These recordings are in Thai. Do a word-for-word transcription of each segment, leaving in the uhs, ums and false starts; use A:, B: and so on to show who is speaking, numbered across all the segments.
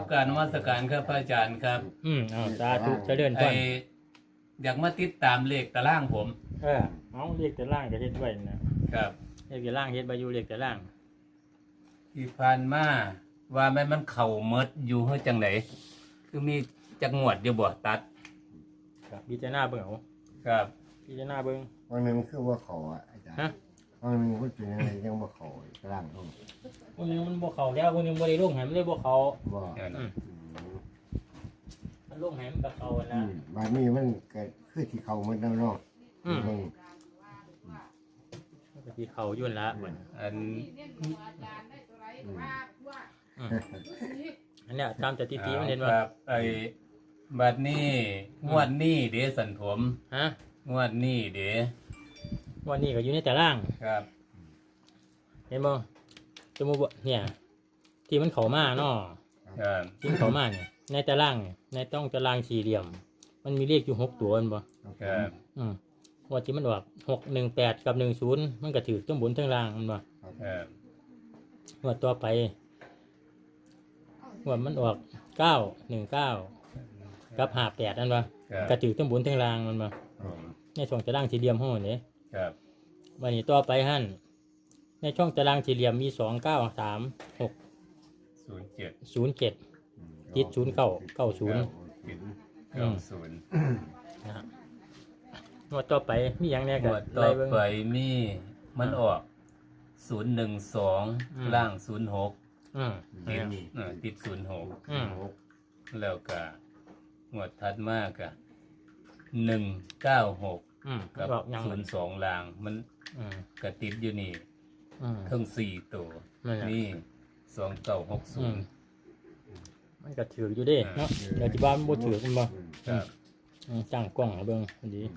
A: การนมัสการครับพระอาจารย์ครับ
B: อืมเอาสาธุเจริญพ
A: ไอ
B: ร
A: อยากมาติดตามเลขตารางผม
B: เออเอาเรียกแต่ล่างก็เฮ็ดไว้นะครับ เรียกแต่ล่างเฮ็ดใบอยู่เรียกแต่ล่าง
A: ที่ผ่านมาว่าแม่นมันเข่าเมดอยู่เฮ้ยจังไหนคือมีจักงวดอยู่บ่ตัด
B: ครับพิจารณาเบิ่งเอา
A: ครับ
B: พิจารณาเบิ่ง
C: วันหนึงคือว่าเขาอ่ะอาจารย์
B: ฮะ
C: วันหนึงมันเป็นอะไรยังว่าเขากลางห้อง
B: วันนึงมันบ่เข้าแล้ววันนึงบ่ได้ลงให้มันเลยบ่เข้า
C: ว่า
A: เดี๋ยว
B: อื
A: นะ
B: มมันลงให้มันก็เข้าแล้ว
C: อืมบานนี้มันเกิดคือที่เขามันแล้วเนาะ
B: อืม
C: เบิ่ง
B: มันก็สิเข้าอยู่นั่นละบัด
A: อัน
B: อันเนี้ยตามสถิติมันเห็น
A: ค
B: ว่า
A: รับไอบัดนี้งวดนี้เด้สันผม
B: ฮะ
A: งวดนี้เด้
B: วันนี้ก็อยู่ในแต่ล่าง
A: ครับ
B: เห็นบ่สมมุติว่าเนี่ย ที่มันเข้ามาเนาะ
A: ครับ
B: ที่มันเข้ามาเนี่ยในตารางเนี่ยในต้องตารางสี่เหลี่ยม มันมีเลขอยู่หกตัวแม่นบ่
A: ครับ
B: อืมว่าที่มันออกหกหนึ่งแปดกับหนึ่งศูนย์มันก็ถือทั้งบนทั้งล่างมันบ่
A: ครับ
B: งวดต่อไปงวดมันออกเก้าหนึ่งเก้ากับห้าแปดนั่นบ่
A: ครับ
B: ก็ถือทั้งบนทั้งล่างมันบ่
A: ผม
B: ในช่องตารางสี่เหลี่ยมห้องนี่
A: ครับ
B: วันนี้ต่อไปหั่นในช่องตารางสี่เหลี่ยมมีสองเก้าสามหก
A: ศูนย์เจ็ด
B: ศูนย์เจ็ดติดศูนย์เก้าเก้าศูนย์
A: ปิดเก้าศูนย์
B: นะฮะงวดต่อไปมีอย่างแน่
A: ง
B: ก็
A: วดต่อ
B: ไล่เบิ่ง
A: ไปมีมันออกศูนย์หนึ่งสอง
B: อืม
A: ล่างศูนย์หก
B: อืม
A: ติดเออติดศูนย์หก
B: อืม
A: แล้วก็งวดถัดมากะหนึ่งเก้าหก
B: อืม
A: กับ
B: บอกยัง
A: ศูนย์สองล่าง มัน
B: อืม
A: กระติดอยู่นี่
B: อืม
A: ทั้งสี่ตัว
B: นั่นแหละ
A: นี่สองเก้าหกศู
B: อื
A: น
B: ม
A: ย์
B: มันก็ถืออยู่เด้เนาะเดี๋ยวที่บ้านมันบ่ถือมันบ่
A: ครับ
B: อืมจ้างกล้องให้เบิ่งพอดี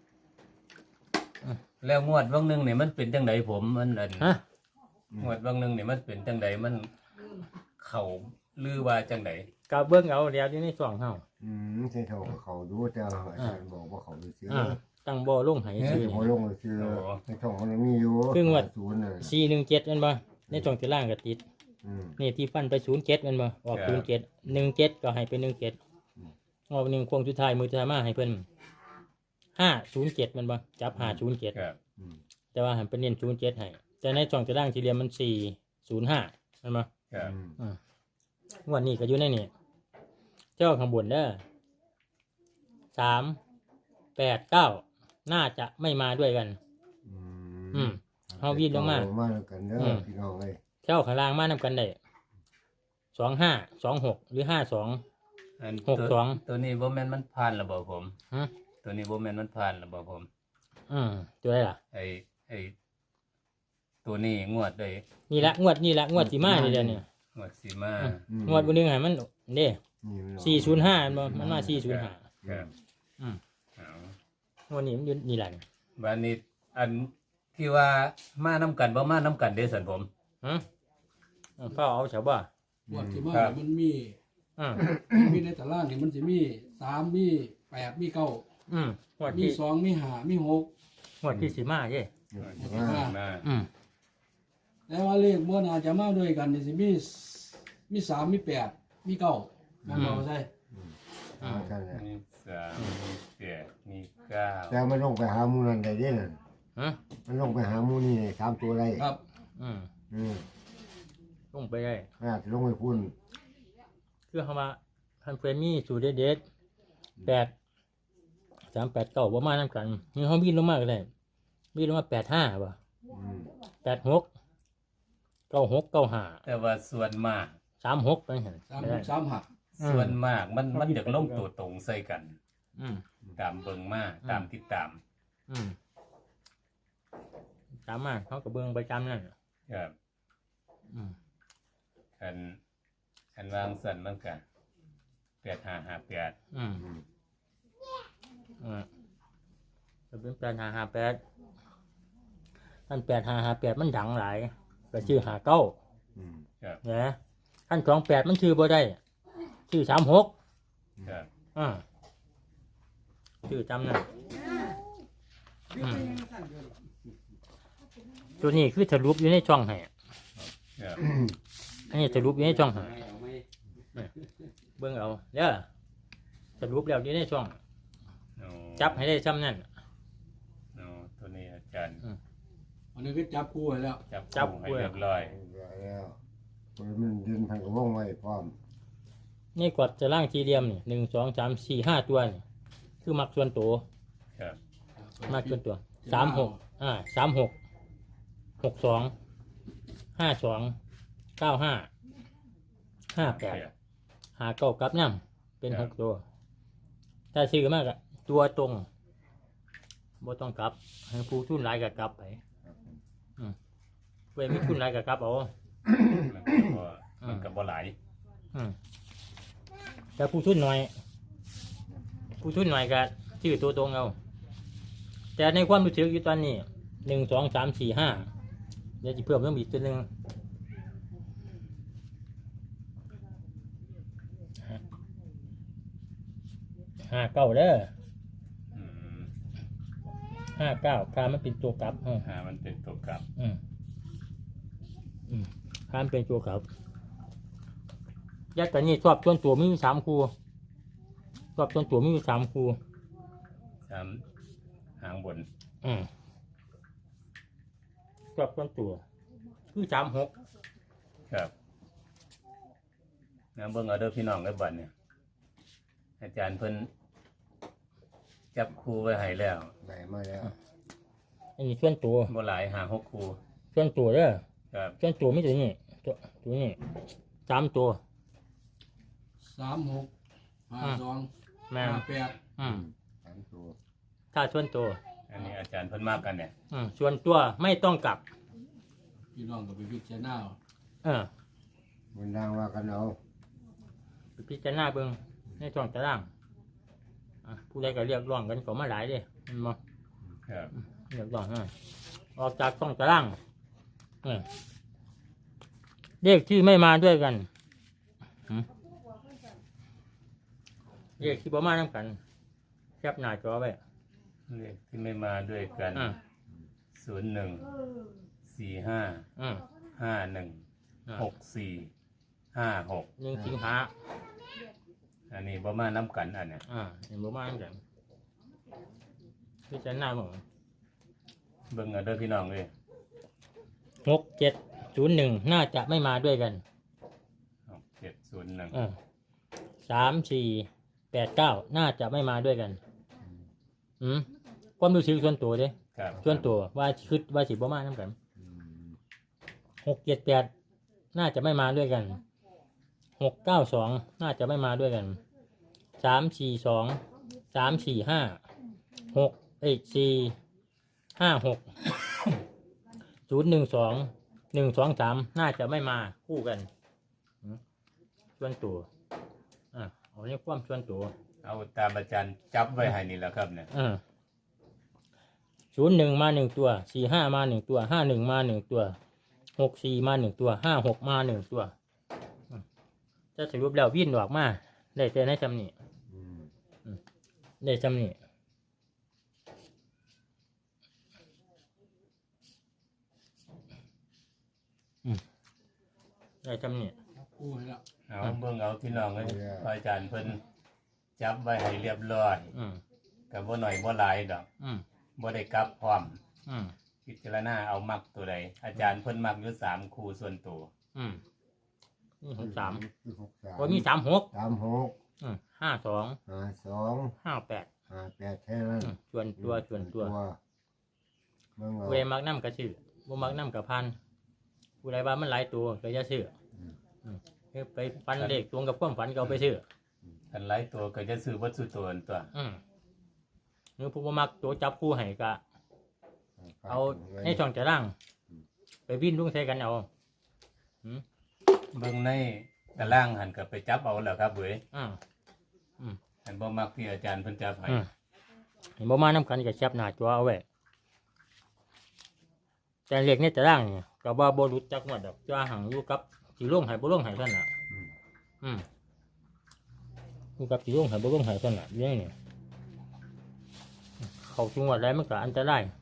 A: แล้วงวดวังหนึ่งเนี่ยมันเป็นจังไดผมมันอัน
B: ฮะ
A: งวดวังหนึ่งเนี่ยมันเป็นจังไดมันเข่าลือว่าจังได
B: ก็เบิ่งเอาเดี๋ยวอยู่ในช่องเฮา
C: อืมใช่เขาก็เขาดูแต่อาจารย์บอกว่าเขาดูซื้อ
B: อ่าตั้งบ่ลงให้ซื่อ
C: เขาลงเลยซื้อในช่องมันมีอยู่
B: ครึ่งวัด
C: ศูนย์เลย
B: สี่หนึ่งเจ็ดแม่นบ่ในช่องที่ล่างก็ติด
C: อืม
B: นี่ที่ฟันไปศูนย์เจ็ดแม่นบ่ออกศูนย์เจ็ดหนึ่งเจ็ดก็ให้ไปหนึ่งเจ็ดงอกหนึ่งโค้งสุดท้ายมือสุดท้ายมาให้เพิ่นห้าศูนย์เจ็ดแม่นบ่จับห้าศูนย์เจ็ด
A: ครับ
C: อืม
B: แต่ว่าหันไปเน้นศูนย์เจ็ดให้แต่ในช่องที่ล่างที่เหลี่ยมมันสี่ศูนย์ห้าแม่นบ่
A: ครับ
C: อืม
B: อืมงวันนี้ก็อยู่ในนี่เจ้าข้างบนเด้อสามแปดเก้าน่าจะไม่มาด้วยกัน
C: อื
B: อื
C: ม
B: ม เฮาวิ่งลงมา
C: เอมาแล้วกันเด้ออ
B: ม
C: พี่น้องเอ้ย
B: เจ้าข้างล่างมานำกันได้สองห้าสองหกหรือห้าสอง
A: อัน
B: หก
A: ตัว
B: สอง
A: ตัวนี้บ่แม่นมันผ่านระบบผม
B: ฮะ
A: ตัวนี้บ่แม่นมันผ่านระบบผม
B: อืมตัวอะไรล่ะ
A: ไอไอตัวนี้งวดเลย
B: นี่ละงวดนี่ละงวดสีมานี่เดียวเนี่ย
A: งวดสีมา
C: อืม
B: งวดบนหนึ่งให้มันเด้
C: นี่มัน
B: สี่ศูนย์ห้ามันมาสี่ศูนย์ห้า
A: ครับ
B: อืม
A: เอา
B: งวดนี้มันอยู่นี่แหละ
A: บานนี้อันที่ว่ามาน้ำกันบ่มาน้ำกันเด้สันผม
B: ฮะเฝ้าเอาเฉาบ่า
D: บวชที่มา
A: ครับ
D: มันมี
B: อืม
D: มีในตารางนี่มันจะมีสามมีแปดมีเก้า
B: อืมงวด
D: มี
B: ที่
D: สองมีห้ามีหก
B: งวดที่สีมาเย่
A: งวด
C: อื
A: ที่
C: ม
A: มา
B: อืม
D: แต่ว่าเลขบัวนาจะมาด้วยกันนี่สิมีมีสามมีแปดมีเก้ามันบอกใช่
C: เอากันเลย
A: มีสามมีแปดมีเก้า
C: แต่มันลงไปหาหมูนั่นได้เด้นั่น
B: ฮะ
C: มันลงไปหาหมูนี่สามตัวได้
D: ครับ
B: อืม
C: อืม
B: ลงไปได้
C: อาจจะลงไปพุ่น
B: คือเขามาพันเฟรมีสูตรเด็ดๆแปดสามแปดเก้าประมาณนั้นกันนี่เขาบินลงมาก็ได้บินลงมาแปดห้าป่ะ
C: อืม
B: แปดหกเก้าหกเก้าห้า
A: แต่ว่าส่วนมาก
B: สามหกไปเห็น
D: สาม
B: ไม่
D: ห
B: ได้
D: กสามหัก
B: อืม
A: ส่วนมากมันมันอยากลงตัวตรงใส่กัน
B: อืม
A: ตามเบิ่งมาตามติดตาม
B: อืมตามมาเขากระเบื้องประจำนั่น
A: ครับ
B: อืม
A: คันคันวางสันมันกันแปดห้าห้าแปด
B: อืม
C: อืม
B: อืมจะเป็นแปดห้าห้าแปดท่านแปดห้าห้าแปดมันดังหลายก็ชื่อหาเก้า
C: อืม
A: ครับ
B: เนี่ยท่านสองแปดมันชื่อบ่ได้ ชื่อสามหก
A: ครับ
B: อ่าชื่อจำนั่นอืมตัวนี้คือสรุปอยู่ในช่องให้
A: ครับ
B: อันนี้สรุปอยู่ในช่องให้เบิ่งเอาเด้อสรุปแล้วอยู่ในช่อง
A: อ๋อ
B: จับให้ได้ซ้ำนั่น
A: อ๋อตัวนี้อาจารย์
D: อันนี้ก็จับคู่ไว้แล้ว
A: จับ
B: จับ
A: คู่ให้เรียบร้อย
C: แล้วมันดินพันกระวงไว้พร้อม
B: นี่กดจะล่างทีเดียมนี่หนึ่งสองสามสี่ห้าตัวนี่คือมักส่วนตัว
A: ครับ
B: มักส่วนตัวสามหกอ่าสามหกหกสองห้าสองเก้าห้าห้าแปดหาเก้ากับน้ำเป็นหกตัว ถ้าซื้อมากอะตัวตรงบ่ต้องกลับให้ผู้ทุนหลายกับกลับไปอืมเว้ยมีทุนหลายกับกลับเอา
A: มันก็บ่มันก็บ่หลาย
B: อืมแต่ผู้ทุนหน่อย ผู้ทุนหน่อยก็ชื่อตัวตรงเอา แต่ในความรู้สึกอยู่ตอนนี้หนึ่งสองสามสี่ห้าเดี๋ยวจะเพิ่มเพิ่มอีกตัวหนึ่งห้าเก้าเด้อ
A: อืม
B: ห้าเก้าพามันเป็นตัวกลับอืม
A: หามันเป็นตัวกลับ
B: อืมอืมพามันเป็นตัวกลับยัดแต่นี่ชอบส่วนตัวมีอยู่สามคู่ชอบส่วนตัวมีอยู่สามคู่
A: สามหางบน
B: อืมชอบส่วนตัว คือสามหก
A: ครับงั้นเบิ่งเอาเด้อพี่น้องเด้อบัดเนี่ยอาจารย์เพิ่นจับคู่ไว้ให้แล้ว
C: ได้มาแล้ว
B: อันนี้ส่วนตัว
A: บ่หลายหาหกคู่
B: ส่วนตัวเด้อ
A: ครับ
B: ส่วนตัวไม่ตัวนี้ตัวตัวนี้สามตัว
D: สามหกห้าสอง
B: แม่
D: ห้าน แปด
B: อืม
C: สามตัว
B: ถ้าส่วนตัว
A: อันนี้อาจารย์เพิ่นมากกันเนี่ย
B: อืมส่วนตัวไม่ต้องกลับ
D: พี่น้องก็ไปพิจารณาเอา
B: เออ
C: บนล่างว่ากันเอา
B: ไปพิจารณาเบิ่งในช่องตารางอ่ะผู้ใดก็เรียกร้องกันก็มาหลายเด้มันมา
A: ครับ
B: เรียกร้องอ่ะออกจากช่องตารางเออเลขที่ไม่มาด้วยกันหืมเลขที่บ่มานํกันแคปหน้าจอไว้
A: เลขที่ไม่มาด้วยกัน
B: อ่า
A: ศูนย์หนึ่งสี่ห้า
B: อืม
A: ห้าหนึ่ง
B: อ่า
A: หกสี่ห้าหก
B: หนึ่งสิงหา
A: อันนี้บ่มาน้ำกันอันเนี้ย
B: อ่าเห็นบ่มานํกันพิจารณาเบิ่ง
A: เบิ่งเอาเด้อพี่น้องเลย
B: หกเจ็ดศูนย์หนึ่งน่าจะไม่มาด้วยกัน
A: เจ็ดศูนย์หนึ่ง
B: เออสามสี่แปดเก้าน่าจะไม่มาด้วยกัน อืมความรู้สึกส่วนตัวเด้
A: ครับ
B: ส่วนตัวว่าคิดว่าสิบ่มานํกัน
C: อืม
B: หกเจ็ดแปดน่าจะไม่มาด้วยกันหกเก้าสองน่าจะไม่มาด้วยกันสามสี่สองสามสี่ห้าหกเอ้ยสี่ห้าหกศูนย์หนึ่งสองหนึ่งสองสามน่าจะไม่มาคู่กันอืมส่วนตัวอ่ะเอาในความส่วนตัว
A: เอาตามอาจารย์จับไว้ให้นี่แหละครับเนี่ย
B: อ่าศูนย์หนึ่งมาหนึ่งตัวสี่ห้ามาหนึ่งตัวห้าหนึ่งมาหนึ่งตัวหกสี่มาหนึ่งตัวห้าหกมาหนึ่งตัวอืมจะสรุปแล้ววิ่นออกมาได้แต่ในจำนี้
C: อืม
B: ได้จำนี้อืมได้จำนี้
D: จับคู่ให้แล้ว
A: เอาเบิ่งเอาพี่น้องเลยอาจารย์เพิ่นจับไว้ให้เรียบร้อย
B: อืม
A: กับบ่หน่อยบ่หลายดอก
B: อืม
A: บ่ได้กลับพร้อม
B: อืม
A: พิจารณาเอามักตัวใดอาจารย์เพิ่นมักอยู่สามคู่ส่วนตัว
B: อืมนี่หกสาม
C: คือหกสาม
B: โอ้ยมีสามหก
C: สามหก
B: อืมห้าสอง
C: ห้าสอง
B: ห้าแปด
C: ห้าแปดแค่นั้น
B: อืมส่วนตัวส่วนตัว
C: เบิ่งเอา
B: เวมักน้ำกระชื่อบ่มักน้ำกระพันผู้ใดว่ามันหลายตัวก็จะซื้ออืมคือไปฟันเลขตรงกับความฝันก็เอาไปซื้อ
A: คันหลายตัวก็จะซื้อวัตถุตัวนั่นตัว
B: อืมหรือผู้บ่มักตัวจับคู่ให้ก็เอาในช่องจะร่าง ไปวิ่นลุงใส่กันเอา
A: เบิ่งในตารางหันก็ไปจับเอาแล้วครับเว้ย
B: อ่า
A: หันบ่มักที่อาจารย์เพิ่นจับให้
B: อืมเห็นบ่มาน้ำกันก็แคปหน้าจอเอาไว้แต่เลขในตารางนี่ก็บ่บ่รู้จักหมดดอกจ้าหังอยู่กับสิลงให้บ่ลงให้เท่านั้นน่ะ
C: อืม
B: อืมอยู่กับสิลงให้บ่ลงให้เท่านั้นเรื่องนี้เข้าจังหวัดใดมันก็อันตราย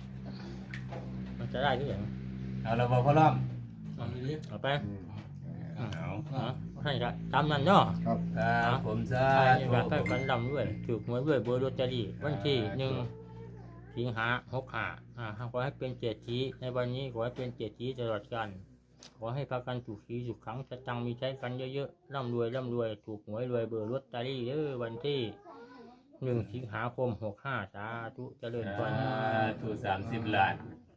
B: อันตรายคือหยัง
A: เอาแล้วบ่พ่อล้อม
D: เอาเลยดิ
B: เอาไป
C: อืม
A: เอา
B: เนาะให้ละตามนั้นเนาะ
C: ครับ
A: ครับผมสา
B: ใช่
A: ธุ
B: อยากให้ฝันดำด้วยถูกหวยด้วยเบอร์ลอตเตอรี่วันที่หนึ่งสิงหาหกห้าอ่าขอให้เป็นเจ็ดทีในวันนี้ขอให้เป็นเจ็ดทีตลอดกาลขอให้พากันถูกสีถูกครั้งจะตังมีใช้กันเยอะๆร่ำรวยร่ำรวยถูกหวยรวยเบอร์ลอตเตอรี่เด้อวันที่หนึ่งสิงหาคมหกห้าสาธุเจริญพร
A: สาธุสามสิบล้าน